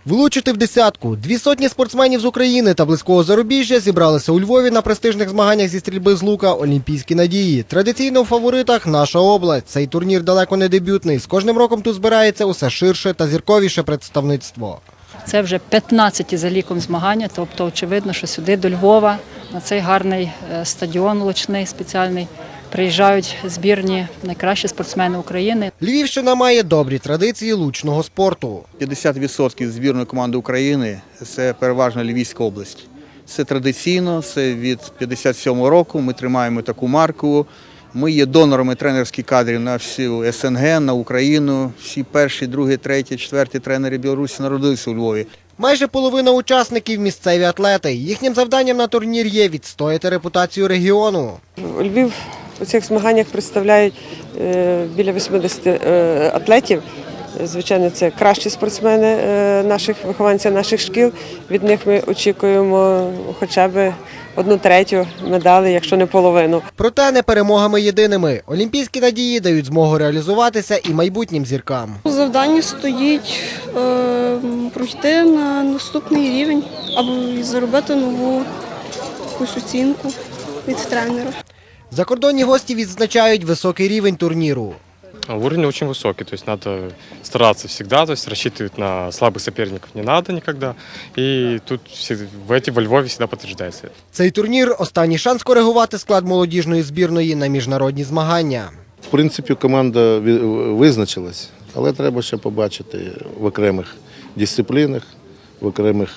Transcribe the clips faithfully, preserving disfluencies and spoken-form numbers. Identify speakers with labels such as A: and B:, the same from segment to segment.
A: Влучити в десятку. Дві сотні спортсменів з України та близького зарубіжжя зібралися у Львові на престижних змаганнях зі стрільби з лука «Олімпійські надії». Традиційно в фаворитах наша область. Цей турнір далеко не дебютний. З кожним роком тут збирається усе ширше та зірковіше представництво.
B: Це вже п'ятнадцяті за ліком змагання, тобто очевидно, що сюди до Львова, на цей гарний стадіон лучний спеціальний, приїжджають збірні найкращі спортсмени України.
A: Львівщина має добрі традиції лучного спорту.
C: п'ятдесят відсотків збірної команди України – це переважно Львівська область. Це традиційно, це від п'ятдесят сьомого року, ми тримаємо таку марку. Ми є донорами тренерських кадрів на всю ес ен ге, на Україну. Всі перші, другі, треті, четверті тренери Білорусі народилися у Львові.
A: Майже половина учасників – місцеві атлети. Їхнім завданням на турнір є відстояти репутацію регіону.
D: Львів у цих змаганнях представляють біля вісімдесят атлетів. Звичайно, це кращі спортсмени наших вихованців наших шкіл. Від них ми очікуємо хоча б одну третю медалі, якщо не половину.
A: Проте не перемогами єдиними. Олімпійські надії дають змогу реалізуватися і майбутнім зіркам.
E: Завдання стоїть е, пройти на наступний рівень або заробити нову якусь оцінку від тренера.
A: Закордонні гості відзначають високий рівень турніру.
F: Уровень очень высокий, то есть надо стараться всегда, то есть рассчитывать на слабых соперников не надо никогда. И тут в эти во Львове всегда подтверждается.
A: Цей турнір – останній шанс коригувати склад молодіжної збірної на міжнародні змагання.
G: В принципі, команда визначилась, але треба ще побачити в окремих дисциплінах, в окремих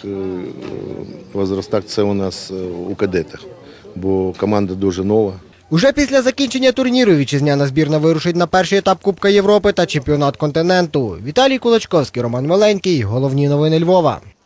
G: возрастах, це у нас у кадетах, бо команда дуже нова.
A: Уже після закінчення турніру вітчизняна збірна вирушить на перший етап Кубка Європи та чемпіонат континенту. Віталій Кулачковський, Роман Миленький. Головні новини Львова.